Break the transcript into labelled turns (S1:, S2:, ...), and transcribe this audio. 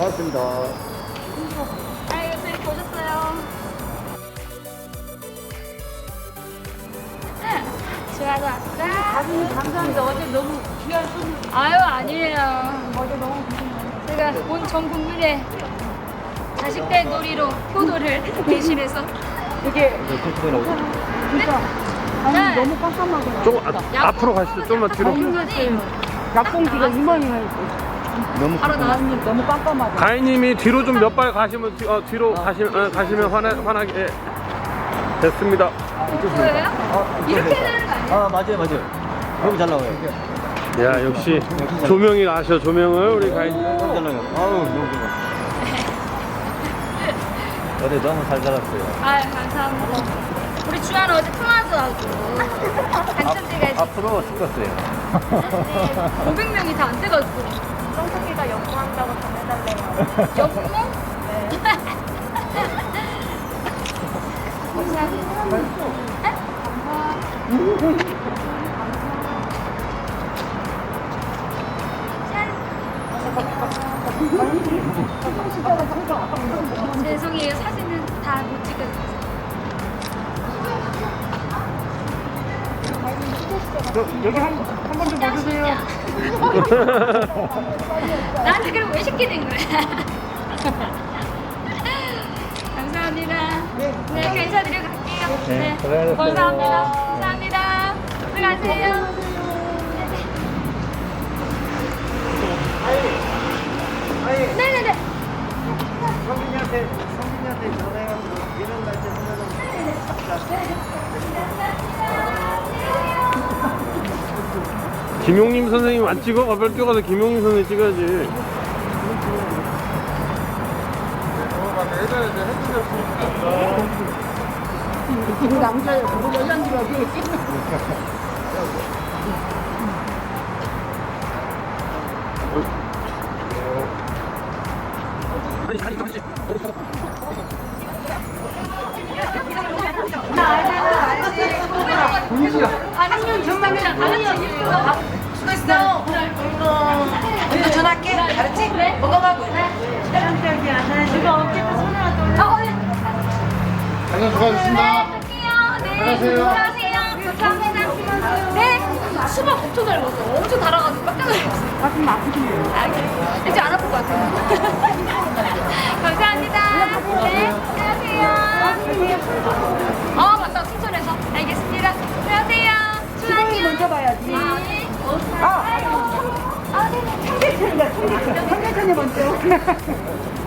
S1: 고맙습니다.
S2: 아유, 선생님 보셨어요? 좋아서 왔어?
S3: 감사합니다. 어제 너무 귀한 손님
S2: 아유, 아니에요.
S3: 어제 너무
S2: 제가 온 전 국민의 자식들 놀이로 효도를 대신해서
S3: 되게
S1: 톡톡이 나오죠?
S3: 진짜 아니
S2: 네.
S3: 너무 깜깜하게
S4: 좀 앞으로 가시죠. 좀만 뒤로.
S3: 힘들었어요. 약봉기가 이만이만
S1: 너무
S2: 바로 나왔습니다.
S3: 너무 깜깜하다.
S4: 가인님이 뒤로 좀 몇 발 가시면 뒤로 가시면 화나게 됐습니다.
S2: 보여요? 이렇게 되는 거 아니에요?
S1: 아, 맞아요. 너무 잘 나와요.
S4: 야, 역시 조명이 아셔. 조명을 우리 가인님.
S1: 너무 잘 나와요. 아우, 너무 좋아. 어제 너무 잘 살았어요.
S2: 아유, 감사합니다. 우리 주한 어제 통화도 하고 당첨돼가지고
S1: 앞으로 죽었어요.
S2: 500명이 다 안 돼가지고
S3: 성석이가 연구한다고 전해달래요.
S2: 여보? 네. 감사합니다. 죄송해요. 사진은 다 못 찍어주세요.
S3: 여기 한 번 좀 봐주세요.
S2: 나한테 그럼 왜 시키는 거야? 감사합니다. 네, 감사드리고 갈게요. 네,
S1: 수고하셨어요.
S2: 감사합니다. 감사합니다. 들어가세요. 네네네.
S1: 성민이한테 전화해가지고 이런 날짜
S4: 김용림 선생님 안 찍어? 가별 뛰어가서 김용림 선생님 찍어야지.
S3: 남자예요. 뭐 여잔지 어디 있지?
S2: 반응은 정답이랑 다른 얘기예요.
S5: 수고했어. 이거 전화할게. 알았지? 먹어가고.
S2: 이거 어쨌든 손을 안 네.
S4: 안녕, 수고하셨습니다.
S2: 갈게요. 네. 수고하세요. 감사합니다. 네. 수박 엄청 잘 먹었어. 엄청 달아가지고 깜짝 놀랐어요.
S3: 가슴 아프시네요.
S2: 아, 그래. 이제 안 아플 것 같아요. 감사합니다. 네. 안녕하세요. 맞다. 충전해서. 알겠습니다. 안녕하세요.
S3: 시간이 먼저 봐야지.
S2: 네.
S3: 아, 청계천이다, 청계천. 청계천이 먼저.